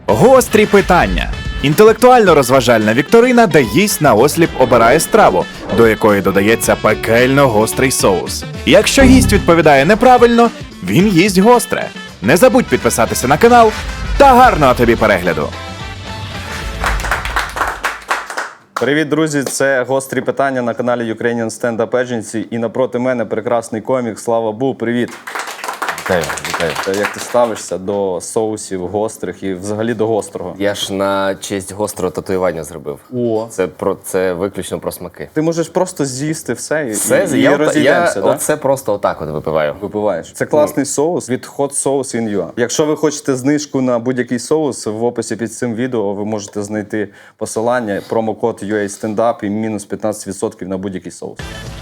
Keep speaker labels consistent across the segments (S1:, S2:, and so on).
S1: Гострі питання. Інтелектуально-розважальна вікторина, де їсть наосліп обирає страву, до якої додається пекельно гострий соус. Якщо гість відповідає неправильно, він їсть гостре. Не забудь підписатися на канал та гарного тобі перегляду!
S2: Привіт, друзі! Це гострі питання на каналі Ukrainian Stand-Up Agency. І напроти мене прекрасний комік Слава Бу. Привіт!
S3: Вітаю, вітаю.
S2: Як ти ставишся до соусів гострих і взагалі до гострого?
S3: Я ж на честь гострого татуювання зробив.
S2: О!
S3: Це виключно про смаки.
S2: Ти можеш просто з'їсти все і
S3: я
S2: розійдемося, так?
S3: оце просто отак от випиваю.
S2: Випиваєш. Це класний соус від Hot Sauce in UA. Якщо ви хочете знижку на будь-який соус, в описі під цим відео ви можете знайти посилання, промокод UAStandUp і мінус 15% на будь-який соус.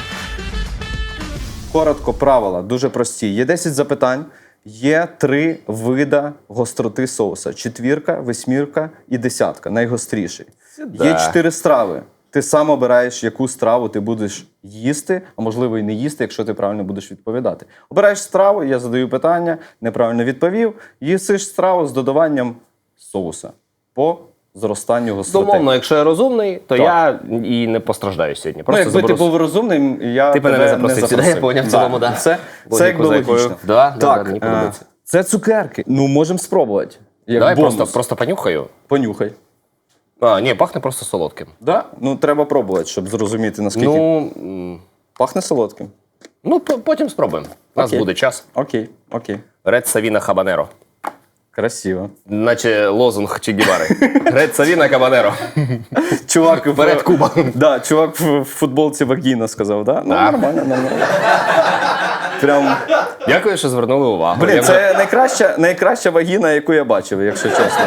S2: Коротко, правила дуже прості. Є 10 запитань, є 3 вида гостроти соуса. 4, 8 і 10, найгостріший. Є 4 страви. Ти сам обираєш, яку страву ти будеш їсти, а можливо і не їсти, якщо ти правильно будеш відповідати. Обираєш страву, я задаю питання, неправильно відповів, їсиш страву з додаванням соуса по зростанню гостроти.
S3: Домовно, якщо я розумний, то
S2: Так.
S3: я і не постраждаю сьогодні. Просто
S2: Якби ти був розумним, я
S3: Ти мене
S2: тебе
S3: не запросив сюди, я поняв в цілому, да.
S2: Це
S3: Логіку
S2: якби
S3: за якою.
S2: логічно.
S3: Да,
S2: Так,
S3: мені подобається.
S2: це цукерки. Ну, можемо спробувати. Як
S3: Давай
S2: бонус.
S3: просто понюхаю.
S2: Понюхай.
S3: А, ні, пахне просто солодким.
S2: Да? Ну, треба пробувати, щоб зрозуміти, наскільки пахне солодким.
S3: Потім спробуємо. У нас
S2: Окей.
S3: буде час.
S2: Окей.
S3: Ред Савіна Хабанеро.
S2: Красиво.
S3: Наче лозунг Че Гевари. Ред Савіна Хабанеро.
S2: Чувак
S3: Перед Куба.
S2: Да, чувак в футболці вагіна сказав, да? Ну,
S3: Так.
S2: нормально. Прям...
S3: Дякую, що звернули увагу.
S2: Блін, це найкраща вагіна, яку я бачив, якщо чесно.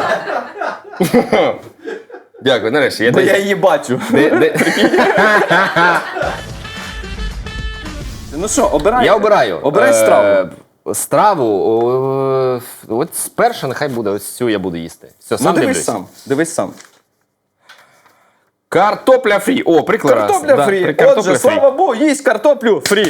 S3: Дякую, нарешті.
S2: Бо я її бачу. Ну що, обирай.
S3: Я обираю.
S2: Обирай страву.
S3: Страву. От перша нехай буде, ось цю я буду їсти. Все,
S2: Ну,
S3: сам
S2: дивись сам.
S3: Картопля фрі. О, приклад.
S2: Картопля фрі. Отже, слава Богу, їсть картоплю фрі.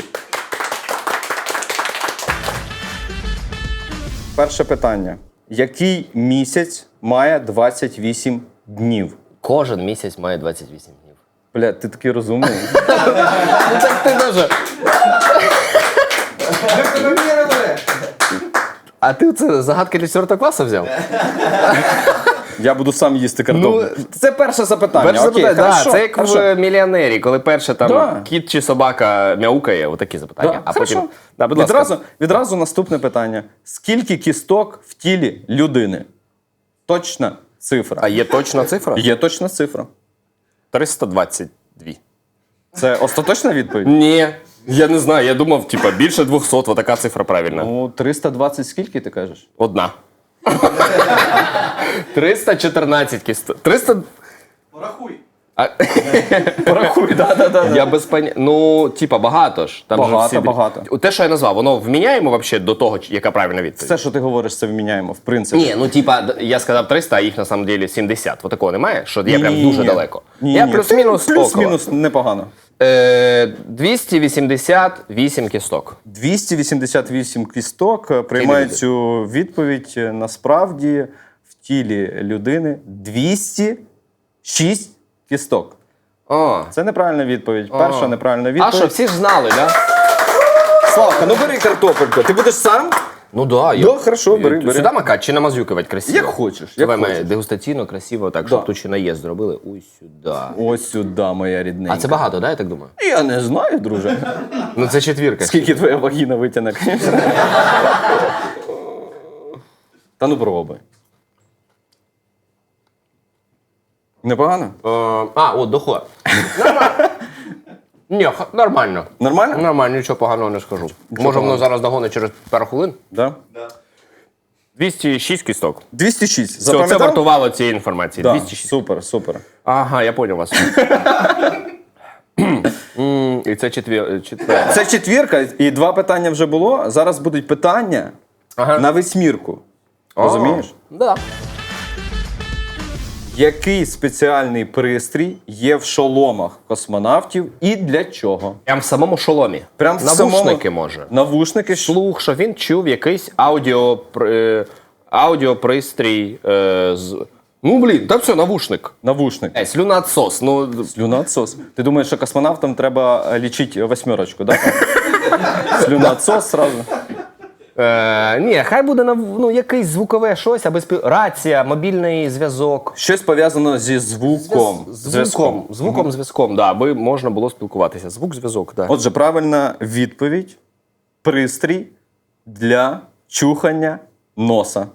S2: Перше питання. Який місяць має 28 днів?
S3: Кожен місяць має 28 днів.
S2: Бля, ти такий розумний.
S3: Ну так ти даже. А ти це загадки для 4 класу взяв?
S2: Я буду сам їсти картоплю. Це перше запитання.
S3: Перше
S2: Окей,
S3: запитання,
S2: хорошо,
S3: це як
S2: хорошо.
S3: в мільйонері, коли перше там
S2: Да.
S3: кіт чи собака мяукає, отакі запитання.
S2: Да,
S3: А
S2: хорошо.
S3: потім. Да, будь ласка.
S2: Відразу наступне питання. Скільки кісток в тілі людини? Точна цифра.
S3: А є точна цифра?
S2: Є точна цифра.
S3: 322.
S2: Це остаточна відповідь?
S3: Ні, я не знаю. Я думав, типа, більше 200, отака цифра правильна.
S2: Ну, 320 скільки ти кажеш?
S3: Одна. 314 кісток. 300...
S4: Порахуй.
S2: Порахуй, да.
S3: Я без поняття. Ну, типа, багато ж. Там
S2: Багато,
S3: же всі...
S2: багато.
S3: Те, що я назвав, воно вміняємо вообще до того, яка правильна відповідь?
S2: Все, що ти говориш, це вміняємо, в принципі.
S3: Ні, ну типа, я сказав 300, а їх на самом деле 70. Вот такого немає, що я прям
S2: Ні.
S3: дуже далеко.
S2: Ні,
S3: Я
S2: ні.
S3: плюс-мінус
S2: Плюс-мінус непогано.
S3: 288 кісток.
S2: 288 кісток приймають
S3: люди.
S2: цю відповідь. Насправді в тілі людини 206 кісток.
S3: О.
S2: Це неправильна відповідь. Перша неправильна
S3: А
S2: відповідь.
S3: що, всі ж знали, да?
S2: Славка, ну бери картопельку. Ти будеш сам?
S3: Ну да,
S2: Да, хорошо, бери.
S3: Сюди макати чи намазюкувати красиво?
S2: Як хочеш, як
S3: Давай ми
S2: хочеш.
S3: дегустаційно, красиво, так, щоб
S2: Да.
S3: тут ще наїзд зробили. Ой, сюди.
S2: Ось сюди, моя рідненька.
S3: А це багато, да, я так думаю?
S2: Я не знаю, друже.
S3: Ну це четвірка.
S2: Скільки твоя вагіна витягне, звісно. Та ну пробуй. Непогано?
S3: От доход. Нормально. Ні, нормально.
S2: Нормально?
S3: Нормально, нічого поганого не скажу. Може, воно зараз догонить через пару хвилин?
S2: Да?
S3: 206 кісток.
S2: 206.
S3: Все, це
S2: Запам'ятав?
S3: вартувало цієї інформації.
S2: Да.
S3: 206.
S2: Супер.
S3: Ага, я понял вас. І це четвер.
S2: Це четвірка, і 2 питання вже було. Зараз будуть питання
S3: Ага.
S2: на восьмірку. Розумієш?
S3: Да.
S2: Який спеціальний пристрій є в шоломах космонавтів і для чого?
S3: Прям в самому шоломі.
S2: Прям в
S3: Навушники
S2: самому...
S3: може.
S2: Навушники.
S3: Слух, що він чув якийсь Аудіопристрій. Ну, блін, та все, навушник.
S2: Навушник.
S3: Слюноотсос. Ну,
S2: Слюноотсос. Ти думаєш, що космонавтам треба лічити восьмерочку, да? Слюноотсос сразу.
S3: ні, хай буде якийсь звукове щось, аби рація, мобільний зв'язок.
S2: Щось пов'язано зі звуком.
S3: Звуком, зв'язком, да, аби можна було спілкуватися. Звук, зв'язок, да.
S2: Отже, правильна відповідь – пристрій для чухання носа.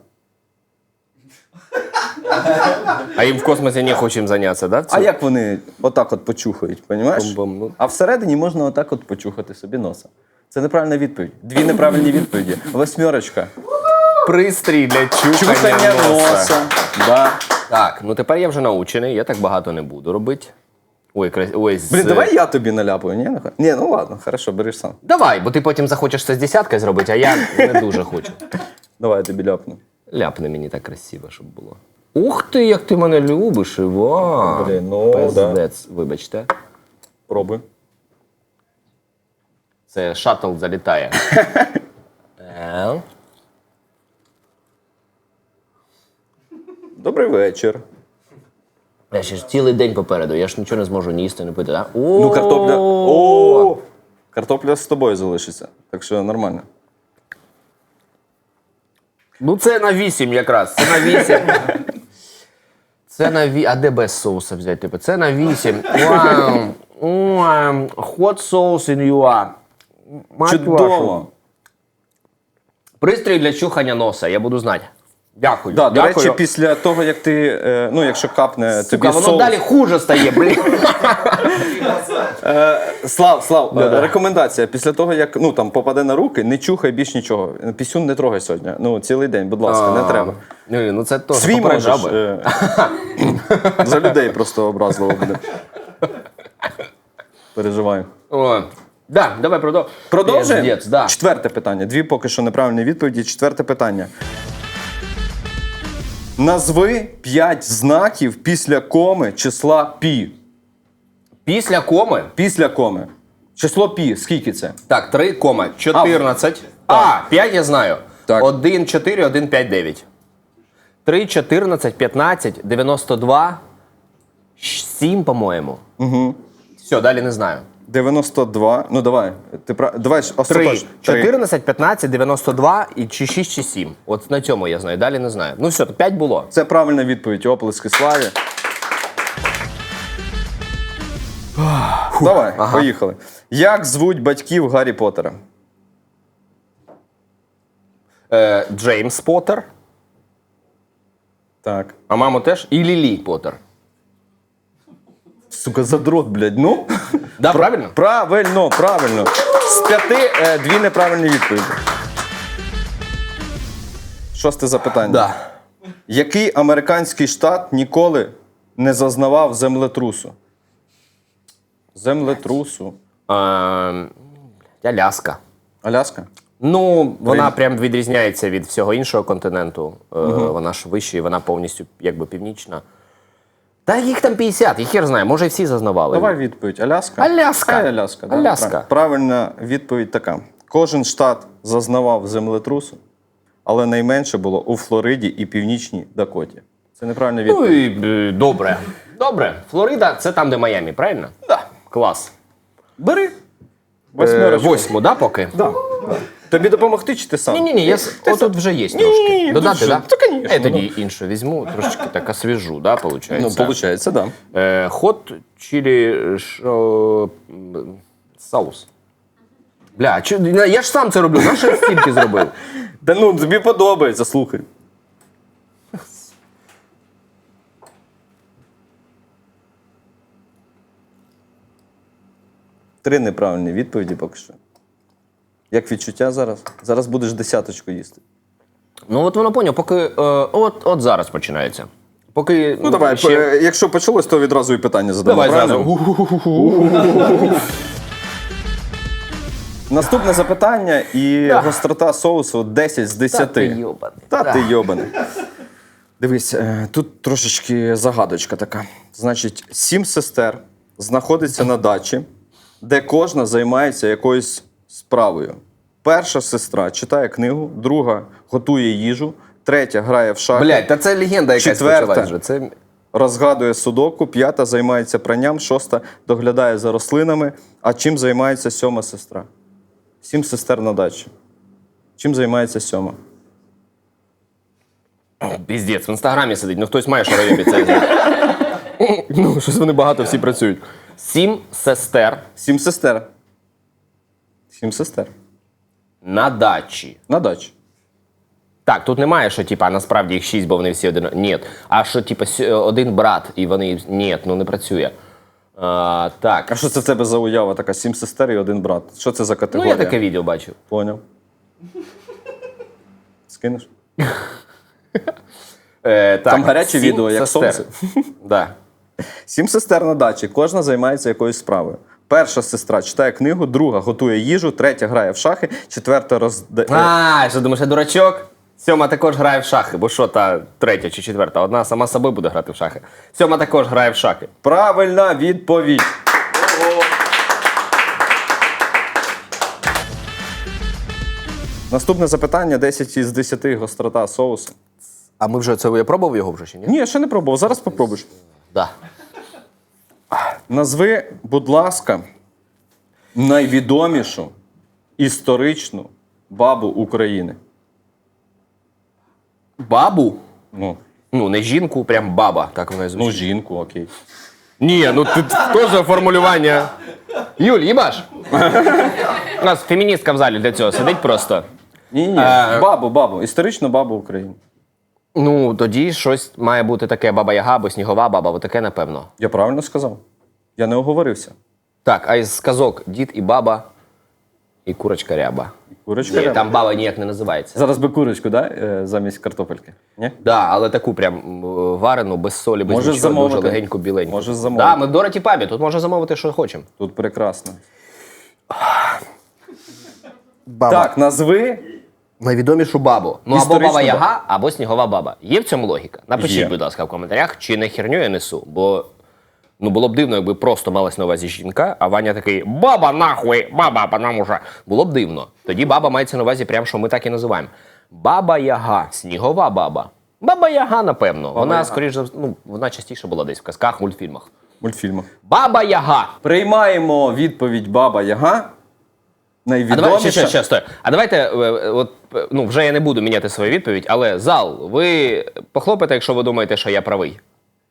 S3: А їм в космосі не хочемо зайнятися, да?
S2: А як вони отак от почухають, розумієш?
S3: Бум-бум, ну.
S2: А всередині можна отак от почухати собі носа. Це неправильна відповідь. Дві неправильні відповіді. Восьмерочка.
S3: Пристрій для чухання
S2: Чухання носа. Да.
S3: Так, ну тепер я вже научений, я так багато не буду робити. Ой,
S2: Блін, давай я тобі наляпаю, ні? Ні, ну ладно, хорошо, береш сам.
S3: Давай, бо ти потім захочеш це з десяткою зробити, а я не дуже хочу.
S2: Давай я тобі ляпну.
S3: Ляпни мені так красиво, щоб було. Ух ти, як ти мене любиш, Іван.
S2: Блін, ну,
S3: Пиздець, вибачте.
S2: Пробуй.
S3: Це шаттл залітає.
S2: Добрий вечір.
S3: Я ще ж цілий день попереду, я ж нічого не зможу ні їсти, не пити, так?
S2: Ну, картопля. О! Картопля з тобою залишиться. Так що нормально.
S3: Ну це на 8 якраз, це на 8. Це на 8. А де без соуса взяти? Типу? Це на 8. Вау. Hot sauce in UA. Мать вашу.
S2: Чудово.
S3: Пристрій для чухання носа, я буду знати. Дякую.
S2: Да, до
S3: Дякую.
S2: речі, після того, як ти, ну, якщо капне
S3: Сука,
S2: тобі
S3: воно
S2: соус...
S3: далі хуже стає, блін.
S2: Слав, рекомендація. Після того, як ну, там, попаде на руки, не чухай більш нічого. Пісюн не трогай сьогодні. Ну, цілий день, будь ласка, не треба.
S3: Ну це теж
S2: Свій можеш.
S3: попереджав.
S2: За людей просто образливо буде. Переживаю.
S3: О, да, давай продовжуємо.
S2: Продовжуємо?
S3: Пиздець, да.
S2: Четверте питання. Дві поки що неправильні відповіді. Четверте питання. Назви 5 знаків після коми числа пі.
S3: Після коми.
S2: Після коми. Число пі. Скільки це?
S3: Так, 3 коми. 14. 5 я знаю.
S2: Так.
S3: 1, 4, 1, 5, 9. 3, 14, 15, 92, 7, по-моєму. Угу. Все, далі не знаю.
S2: 92. Ну давай. Давай ж
S3: 3,
S2: остаточно.
S3: 14, 15, 92 і чи 6, чи 7. От на цьому я знаю, далі не знаю. Ну все, 5 було.
S2: Це правильна відповідь. Оплески Славі. Давай, поїхали. Як звуть батьків Гаррі Поттера?
S3: Джеймс Поттер,
S2: Так.
S3: а маму теж, і Лілі Поттер.
S2: Сука, задрот, блядь. Ну?
S3: Да, правильно?
S2: Правильно. З 5 2 неправильні відповіді. Шосте запитання.
S3: Да.
S2: Який американський штат ніколи не зазнавав землетрусу? Землетрусу.
S3: Аляска.
S2: Аляска?
S3: Ну, вона прям відрізняється від всього іншого континенту. Вона ж вища, і вона повністю якби північна. Та їх там 50, я хер знає, може і всі зазнавали.
S2: Давай відповідь. Аляска?
S3: Аляска.
S2: Хай Аляска. Да?
S3: Аляска.
S2: Правильна відповідь така. Кожен штат зазнавав землетрусу, але найменше було у Флориді і Північній Дакоті. Це неправильна
S3: Ну
S2: відповідь.
S3: і добре. Добре. Флорида це там, де Майамі, правильно?
S2: Да.
S3: Клас.
S2: Бери. Восьмерочку.
S3: 8, да, поки?
S2: Да. Тобі допомогти чи ти сам?
S3: Ні, отут вже є трошки.
S2: Ні,
S3: Додати,
S2: тут
S3: да?
S2: вже- Та, конечно,
S3: Я тоді іншу візьму, трошечки так освіжу, да, виходить?
S2: Ну, виходить, да.
S3: Хот чилі соус. Бля, я ж сам це роблю, знаєш, я стільки зробив.
S2: Да ну, тобі подобається, слухай. Три неправильні відповіді поки що. Як відчуття зараз? Зараз будеш десяточку їсти.
S3: Ну от воно поняв, поки от зараз починається. Поки
S2: Ну давай, якщо почалось, то відразу і питання задамо.
S3: Давай
S2: правильно?
S3: зразу.
S2: Наступне запитання і гострота соусу 10 з 10.
S3: Та ти йобаний.
S2: Та ти йобаний. Дивись, тут трошечки загадочка така. Значить, 7 сестер знаходиться на дачі, де кожна займається якоюсь справою. Перша сестра читає книгу, друга готує їжу, Третя грає в шахи.
S3: Блядь, та це легенда якась
S2: Четверта.
S3: почалась вже. Це...
S2: Розгадує судоку, 5 займається пранням, 6 доглядає за рослинами. А чим займається 7 сестра? 7 сестер на дачі. Чим займається 7?
S3: Піздець, в інстаграмі сидить, ну хтось має шарові це. Ну, щось вони багато всі працюють. 7 сестер
S2: 7 сестер. 7 сестер.
S3: на дачі.
S2: На дачі.
S3: Так, тут немає, що типа насправді їх 6, бо вони всі один. Ні. А що, типа, один брат, і вони. Ні, ну не працює. Так.
S2: А що це в тебе за уява така? 7 сестер і 1 брат. Що це за
S3: Ну,
S2: категорія?
S3: я таке відео бачив.
S2: Поняв. Скинеш?
S3: Так,
S2: Там гаряче
S3: 7
S2: відео, як
S3: сестер.
S2: сонце.
S3: Да.
S2: 7 сестер на дачі, кожна займається якоюсь справою. Перша сестра читає книгу, друга готує їжу, третя грає в шахи, четверта
S3: Що думаєш, я дурачок? 7 також грає в шахи, бо що та третя чи четверта? Одна сама собою буде грати в шахи. 7 також грає в шахи.
S2: Правильна відповідь. Наступне запитання: 10 із 10 гострота соусу.
S3: А ми вже це я пробував його вже чи ні?
S2: Ні, ще не пробував. Зараз попробуєш.
S3: Да.
S2: Назви, будь ласка, найвідомішу історичну бабу України.
S3: Бабу?
S2: Ну,
S3: Ну, не жінку, прям баба. Так вона і звучить.
S2: ну жінку, окей.
S3: Ні, ну ти теж формулювання. Юль, їбаш? У нас феміністка в залі для цього сидить просто.
S2: Ні-ні, бабу, історичну бабу України.
S3: Ну, тоді щось має бути таке баба Яга або снігова баба, або таке, напевно.
S2: Я правильно сказав? Я не оговорився.
S3: Так, а із сказок дід і баба, і курочка ряба.
S2: Курочка.
S3: Ні,
S2: ряба.
S3: там баба ніяк не називається.
S2: Зараз би курочку, да? Замість картопельки. Ні?
S3: Да, але таку прям варену, без солі, без
S2: Можеш
S3: нічого,
S2: замовити.
S3: дуже легеньку, біленьку.
S2: Можеш замовити.
S3: Да, ми в Дороті Пабі, тут можна замовити, що хочемо.
S2: Тут прекрасно. Так, назви.
S3: Найвідомішу бабу. Ну, або
S2: Історичну
S3: баба Яга, або снігова баба. Є в цьому логіка? Напишіть,
S2: Є.
S3: будь ласка, в коментарях, чи не херню я несу, бо ну, було б дивно, якби просто малась на увазі жінка, а Ваня такий «Баба нахуй, баба, потому що». Було б дивно. Тоді баба мається на увазі прям, що ми так і називаємо. Баба Яга, снігова баба. Баба Яга, напевно. Вона,
S2: Яга.
S3: скоріш за все, ну, вона частіше була десь в казках, мультфільмах.
S2: Мультфільму.
S3: Баба Яга.
S2: Приймаємо відповідь Баба Яга.
S3: А давай,
S2: Найвідоміша.
S3: ще, стой. А давайте, от, ну, вже я не буду міняти свою відповідь, але зал, ви похлопайте, якщо ви думаєте, що я правий.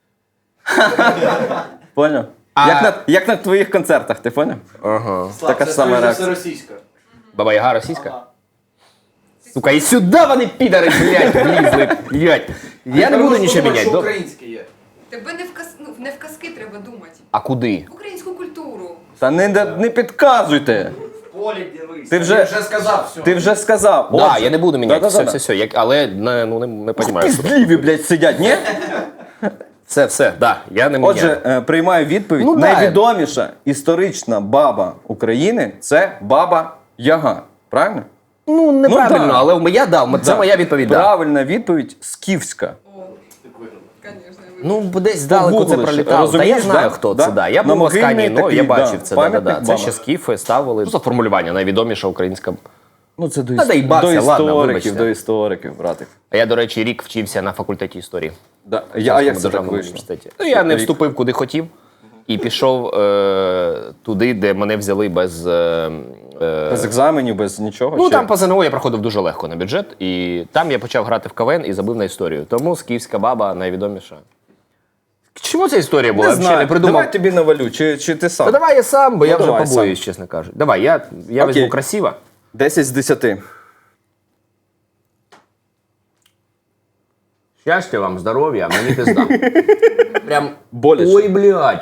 S2: Поняв? Як на твоїх концертах, ти поняв?
S3: Ага.
S2: Така ж сама реакція.
S4: російська.
S3: Баба Яга російська? Сука, і сюди вони, підари, блядь, влізли, блядь. Я не буду нічого міняти.
S4: Що
S3: добре?
S4: українське є.
S5: Тебе не в казки треба думати.
S3: А куди?
S5: В українську культуру.
S2: Та не підказуйте.
S4: Полі дивись.
S2: Ти вже-
S4: Я вже сказав все.
S2: Ти вже сказав.
S3: Да,
S2: Отже.
S3: я не буду міняти,
S2: Да-да-да.
S3: все. Але не розумію.
S2: Піздліві, блядь, сидять, ні?
S3: Все, да, я не міняю.
S2: Отже, приймаю відповідь.
S3: Ну, да.
S2: Найвідоміша історична баба України – це Баба Яга. Правильно?
S3: ну, неправильно,
S2: да.
S3: але я дав, це
S2: Да.
S3: моя відповідь, да.
S2: Правильна відповідь – скіфська.
S5: О, звісно.
S3: Ну, десь далеко це
S2: Погуглиш,
S3: пролітало. Та
S2: розумієш,
S3: я знаю,
S2: да?
S3: хто
S2: Да?
S3: це, да. Я
S2: На
S3: був в Асканії,
S2: могильний
S3: ну, я
S2: такий,
S3: бачив
S2: да,
S3: це,
S2: пам'ятник
S3: да. Це
S2: бабам.
S3: ще скіфи ставили. Що за формулювання? Найвідоміша українська.
S2: Ну, це до,
S3: Та доїбався, ладно, вибачте.
S2: до істориків, братик.
S3: А я, до речі, рік вчився на факультеті історії.
S2: Да. А
S3: в
S2: як це так
S3: Державному
S2: вийшло?
S3: університеті. Ну, я не
S2: Рік.
S3: вступив куди хотів і пішов туди, де мене взяли без.
S2: Без екзаменів, без нічого?
S3: Ну,
S2: Чи-
S3: там по ЗНО я проходив дуже легко на бюджет, і там я почав грати в КВН і забив на історію. Тому скіфська баба найвідоміша. Чому ця історія була?
S2: Не
S3: Я взагалі
S2: знаю.
S3: не придумав.
S2: Давай тобі навалю, чи ти сам?
S3: Та давай я сам, бо я вже
S2: давай
S3: побоююсь, чесно кажучи. Давай, я
S2: Окей.
S3: візьму красиво.
S2: 10 з 10.
S3: Щастя вам, здоров'я, мені пизда. Прям
S2: Боляче.
S3: ой, блядь.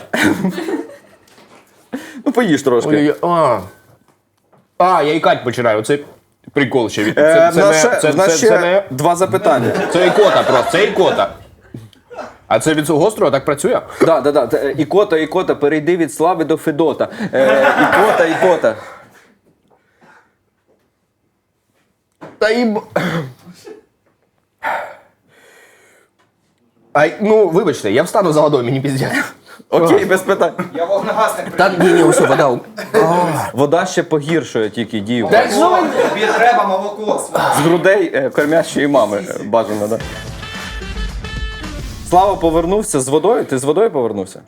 S2: Ну, поїж трошки.
S3: Ой, я ікать починаю. Оце прикол ще від.
S2: В нас ще два запитання.
S3: Це ікота просто, це ікота. А це від гострого так працює?
S2: Да. Ікота, перейди від слави до Федота. Ікота.
S3: Та їб... Ну, вибачте, я встану за водою, мені піздець.
S2: Окей, без питань.
S4: Я вогнегасник
S3: Та ні, усе, вода.
S2: Вода ще погіршує тільки дію.
S3: Та що ви?
S4: Тобі треба молоко.
S2: З грудей кормящої мами бажано, да. Слава повернувся з водою. Ти з водою повернувся?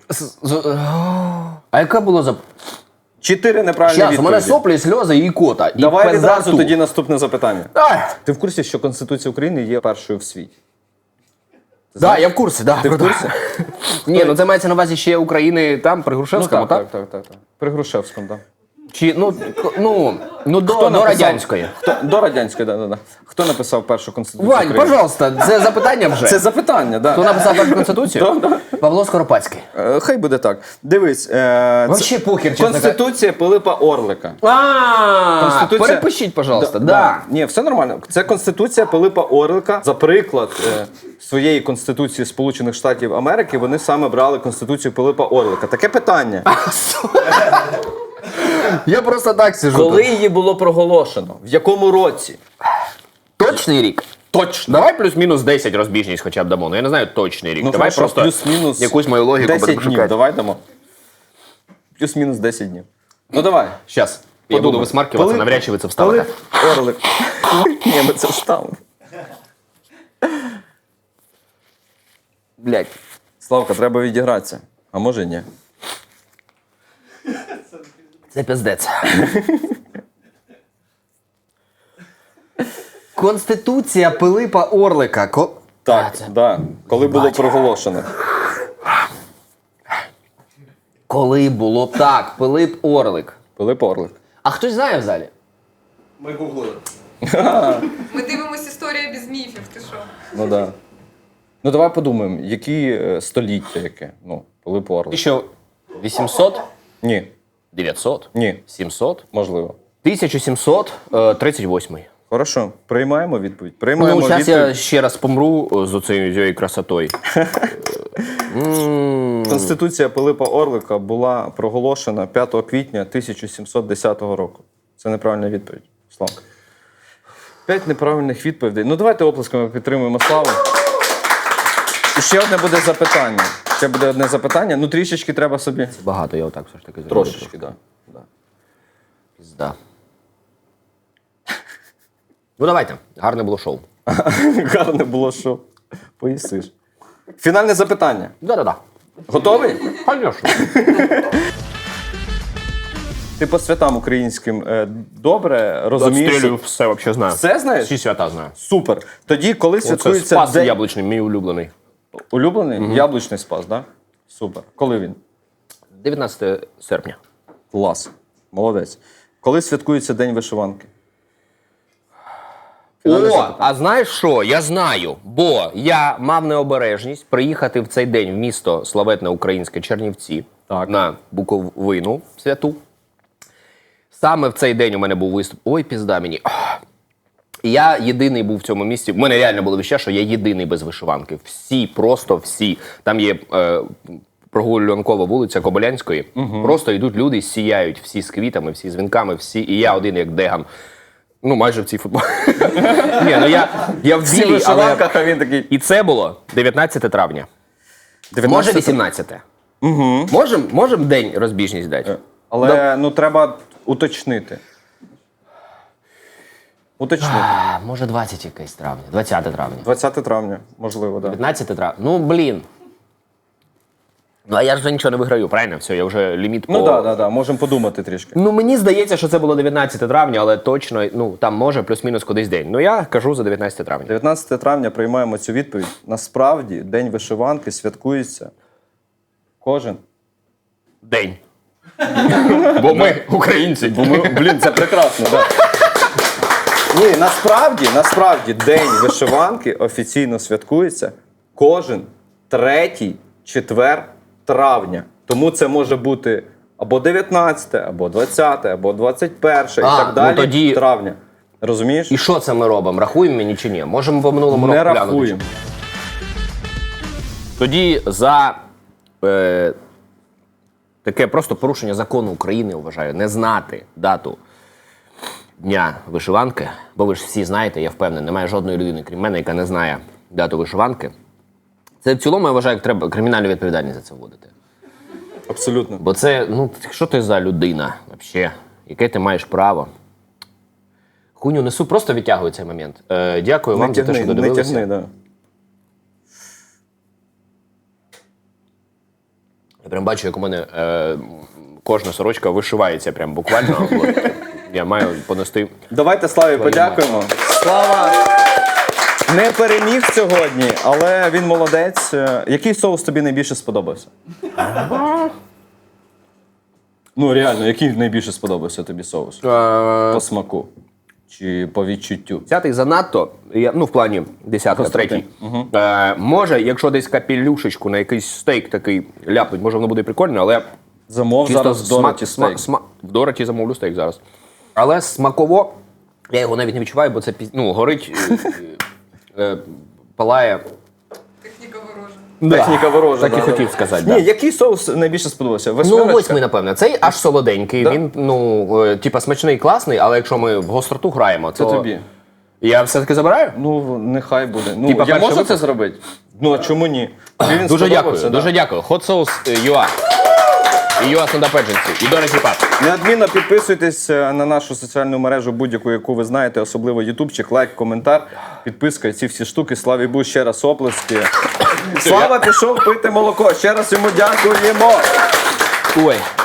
S3: А яка було за...
S2: 4 неправильні
S3: Щас, у
S2: відповіді.
S3: мене соплі, сльози і кота. І
S2: Давай
S3: пизда
S2: відразу
S3: ту.
S2: тоді наступне запитання.
S3: Ай!
S2: Ти в курсі, що Конституція України є першою в світі?
S3: Да, я в курсі, да.
S2: Ти в курсі?
S3: Ні, ну це мається на увазі ще України там, при Грушевському, так?
S2: так. При Грушевському, так.
S3: Чи, до радянської.
S2: До радянської, да. Хто написав першу Конституцію
S3: Вань,
S2: України?
S3: пожалуйста, це запитання вже.
S2: Це запитання, так.
S3: Хто написав першу конституцію? Павло Скоропадський.
S2: Хай буде так. Дивись.
S3: Вообще похер, чесно
S2: Конституція Пилипа Орлика.
S3: Перепишіть, пожалуйста. Да.
S2: Ні, все нормально. Це Конституція Пилипа Орлика. За приклад своєї Конституції Сполучених Штатів Америки вони саме брали Конституцію Пилипа Орлика. Таке питання.
S3: Я просто так сижу.
S2: Коли її було проголошено? В якому році?
S3: Точний рік?
S2: Точно.
S3: Давай плюс-мінус 10 розбіжність хоча б дамо. Ну я не знаю точний рік.
S2: Ну,
S3: Давай
S2: хорошо,
S3: просто
S2: плюс-мінус
S3: якусь мою логіку
S2: 10
S3: будемо
S2: днів.
S3: шукати.
S2: Давай дамо. Плюс-мінус 10 днів. Ну давай.
S3: Щас. Я
S2: Подумай.
S3: буду висмаркуватися, навряд чи ви це вставите.
S2: Пилип Орлик. Ні, ми це вставимо.
S3: Блять.
S2: Славка, треба відігратися. А може ні.
S3: Це пиздець. Конституція Пилипа Орлика.
S2: Так, да. Коли було проголошено.
S3: Коли було так, Пилип Орлик.
S2: Пилип Орлик.
S3: А хтось знає в залі?
S4: Ми гуглили.
S5: Ми дивимося історію без міфів, ти що?
S2: Ну да. Ну давай подумаємо, які століття яке? Ну, Пилип Орлик.
S3: 1800?
S2: Ні,
S3: 900?
S2: ні,
S3: 700?
S2: можливо.
S3: 1738.
S2: Хорошо, приймаємо відповідь. Приймаємо
S3: Ну, зараз
S2: відповідь.
S3: я ще раз помру з цією красотою.
S2: Конституція Пилипа Орлика була проголошена 5 квітня 1710 року. Це неправильна відповідь. Слава. 5 неправильних відповідей. Ну давайте оплесками підтримуємо Славу. І ще одне буде запитання. Ще буде одне запитання. Ну трішечки треба собі.
S3: Багато я отак все ж таки зроблю.
S2: Трошечки, так. Да.
S3: Пізда. Ну давайте, гарне було шоу.
S2: Гарне було, що поїсиш. Фінальне запитання.
S3: Да-да-да.
S2: Готовий?
S3: Конечно.
S2: Ти по святам українським добре розумієш?
S3: Отстрілюю все, вообще знаю.
S2: Все знаєш?
S3: Всі свята знаю.
S2: Супер. Тоді, коли
S3: Оце
S2: святкується
S3: Спас
S2: день...
S3: яблучний, мій улюблений.
S2: Улюблений? Яблучний спас, так? Да? Супер. Коли він?
S3: 19 серпня.
S2: Клас. Молодець. Коли святкується День вишиванки?
S3: О, а знаєш що? Я знаю, бо я мав необережність приїхати в цей день в місто славетне українське Чернівці
S2: Так.
S3: на Буковину святу. Саме в цей день у мене був виступ. Ой, пізда мені. Я єдиний був в цьому місті. У мене реально було відчуття, що я єдиний без вишиванки. Всі, просто всі. Там є прогулянкова вулиця Кобилянської. Просто йдуть люди, сіяють всі з квітами, всі з вінками, всі. І я один як Деган. Ну, майже в цій футболі. Ні, ну я в
S2: Всі в
S3: білій, але...
S2: вишиванках, а він такий...
S3: І це було 19 травня.
S2: 19?
S3: Може 18. Можем день розбіжність дати?
S2: Але, ну, треба уточнити. Уточнити.
S3: Може 20 якесь травня, 20 травня.
S2: 20 травня, можливо, так. Да.
S3: 15 травня. Ну, блін. Ну, а я ж вже нічого не виграю, правильно? Все, я вже ліміт по...
S2: Ну, так, да, да. Можемо подумати трішки.
S3: Ну, мені здається, що це було 19 травня, але точно, ну, там може плюс-мінус кудись день. Ну, я кажу за 19 травня.
S2: 19 травня приймаємо цю відповідь. Насправді, День вишиванки святкується кожен.
S3: День. Бо ми українці.
S2: Блін, це прекрасно, так. Ні, насправді День вишиванки офіційно святкується кожен 3-й четвер травня. Тому це може бути або 19, або 20, або 21 і так
S3: ну
S2: далі
S3: тоді-
S2: травня. Розумієш?
S3: І що це ми робимо? Рахуємо мені чи ні? Можемо по минулому
S2: Не
S3: року глянути.
S2: рахуємо.
S3: Тоді за таке просто порушення закону України, вважаю, не знати дату Дня вишиванки, бо ви ж всі знаєте, я впевнений, немає жодної людини, крім мене, яка не знає дату вишиванки. Це в цілому, я вважаю, треба кримінальну відповідальність за це вводити.
S2: Абсолютно.
S3: Бо це, ну, що ти за людина взагалі? Яке ти маєш право? Хуйню несу, просто відтягую цей момент. Дякую вам за те, що
S2: Не
S3: додивилися.
S2: тягни, да.
S3: Я прям бачу, як у мене кожна сорочка вишивається прям буквально. От, я маю понести.
S2: Давайте Славі подякуємо. Слава не переміг сьогодні, але він молодець. Який соус тобі найбільше сподобався? Ну, реально, який найбільше сподобався тобі соус? По смаку? Чи по відчуттю?
S3: Взятий занадто, ну, в плані десятка,
S2: Гостроти.
S3: третій. Може, якщо десь капелюшечку на якийсь стейк такий ляпнуть, може воно буде прикольно, але
S2: Замов зараз в Дороті стейк.
S3: В Дороті замовлю стейк зараз. Але смаково, я його навіть не відчуваю, бо це горить, палає.
S5: Техніка ворожа.
S2: Техніка ворожа.
S3: Так і
S2: да,
S3: хотів сказати.
S2: Ні,
S3: Да.
S2: який соус найбільше сподобався?
S3: Ну,
S2: Восьмерочка?
S3: восьмий, напевно. Цей аж солоденький.
S2: Да.
S3: Він, ну, типа смачний, класний, але якщо ми в гостроту граємо,
S2: Це
S3: то...
S2: тобі.
S3: Я все-таки забираю?
S2: Ну, нехай буде. Ну,
S3: Типа
S2: я
S3: перший
S2: можу це
S3: випуск?
S2: зробити? Ну, а чому ні? Він
S3: Дуже
S2: сподобався,
S3: дякую,
S2: да.
S3: дуже дякую. Hot Sauce UA. І UA Stand Up Agency. І, до речі, пап.
S2: Неодмінно підписуйтесь на нашу соціальну мережу, будь-яку, яку ви знаєте, особливо ютубчик, лайк, коментар, підписка, ці всі штуки. Славі Бу, ще раз оплески. Слава пішов пити молоко. Ще раз йому дякуємо.
S3: Ой.